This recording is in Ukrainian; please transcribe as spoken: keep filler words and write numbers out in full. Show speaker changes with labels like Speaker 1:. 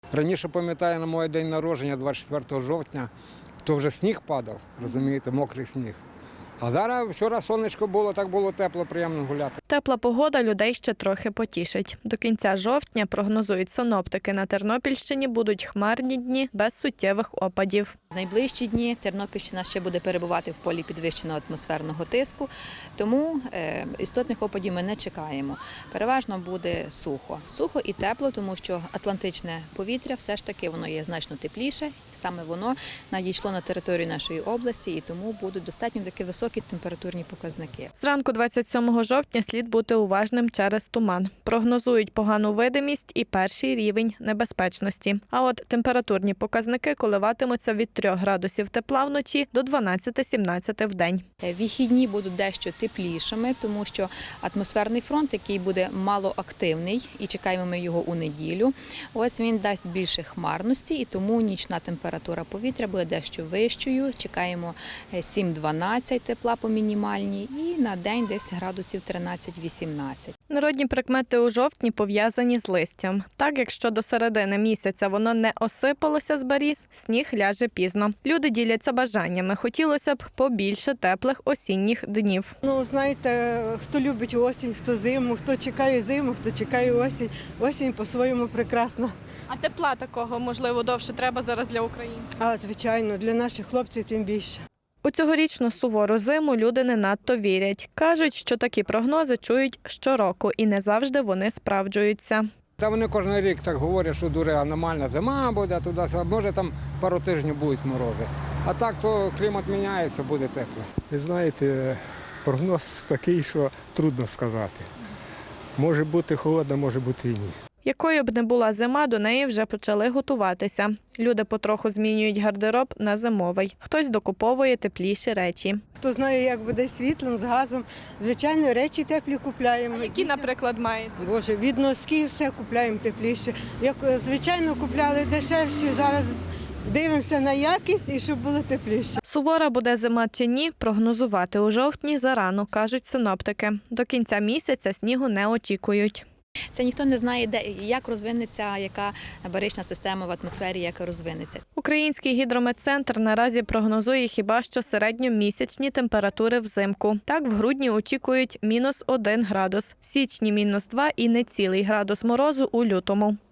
Speaker 1: Раніше, пам'ятаю, на моє день народження, двадцять четвертого жовтня, то вже сніг падав, розумієте, мокрий сніг. А зараз вчора сонечко було, так було тепло, приємно гуляти.
Speaker 2: Тепла погода людей ще трохи потішить. До кінця жовтня, прогнозують синоптики, на Тернопільщині будуть хмарні дні без суттєвих опадів.
Speaker 3: В найближчі дні Тернопільщина ще буде перебувати в полі підвищеного атмосферного тиску, тому істотних опадів ми не чекаємо. Переважно буде сухо. Сухо і тепло, тому що атлантичне повітря все ж таки воно є значно тепліше. Саме воно надійшло на територію нашої області і тому будуть достатньо такі високі температурні показники.
Speaker 2: Зранку двадцять сьомого жовтня слід бути уважним через туман. Прогнозують погану видимість і перший рівень небезпечності. А от температурні показники коливатимуться від трьох градусів тепла вночі до дванадцяти-сімнадцяти в день.
Speaker 3: Вихідні будуть дещо теплішими, тому що атмосферний фронт, який буде малоактивний, і чекаємо ми його у неділю, ось він дасть більше хмарності, і тому нічна температура повітря буде дещо вищою. Чекаємо сім-дванадцять тепла по мінімальній і на день десь градусів тринадцять-вісімнадцять.
Speaker 2: Народні прикмети у жовтні пов'язані з листям. Так, якщо до середини місяця воно не осипалося з беріз, сніг ляже пізно. Люди діляться бажаннями. Хотілося б побільше теплих осінніх днів.
Speaker 4: Ну, знаєте, хто любить осінь, хто зиму, хто чекає зиму, хто чекає осінь. Осінь по-своєму прекрасна.
Speaker 2: А тепла такого, можливо, довше треба зараз для українців?
Speaker 4: А, звичайно, для наших хлопців тим більше.
Speaker 2: У цьогорічну сувору зиму люди не надто вірять. Кажуть, що такі прогнози чують щороку і не завжди вони справджуються.
Speaker 1: Та вони кожен рік так говорять, що дуже аномальна зима буде, туди, може там пару тижнів будуть морози. А так то клімат міняється, буде тепло.
Speaker 5: Ви знаєте, прогноз такий, що трудно сказати. Може бути холодно, може бути і ні.
Speaker 2: Якою б не була зима, до неї вже почали готуватися. Люди потроху змінюють гардероб на зимовий. Хтось докуповує тепліші речі.
Speaker 4: Хто знає, як буде з світлом, з газом, звичайно, речі теплі купляємо.
Speaker 2: А які, наприклад, маєте?
Speaker 4: Боже, від носків все купляємо тепліше. Як, звичайно, купляли дешевші, зараз дивимося на якість і щоб було тепліше.
Speaker 2: Сувора буде зима чи ні, прогнозувати у жовтні зарано, кажуть синоптики. До кінця місяця снігу не очікують.
Speaker 3: Це ніхто не знає, де як розвинеться, яка барична система в атмосфері, як розвинеться.
Speaker 2: Український гідрометцентр наразі прогнозує хіба що середньомісячні температури взимку. Так, в грудні очікують мінус один градус, в січні – мінус два і нецілий градус морозу у лютому.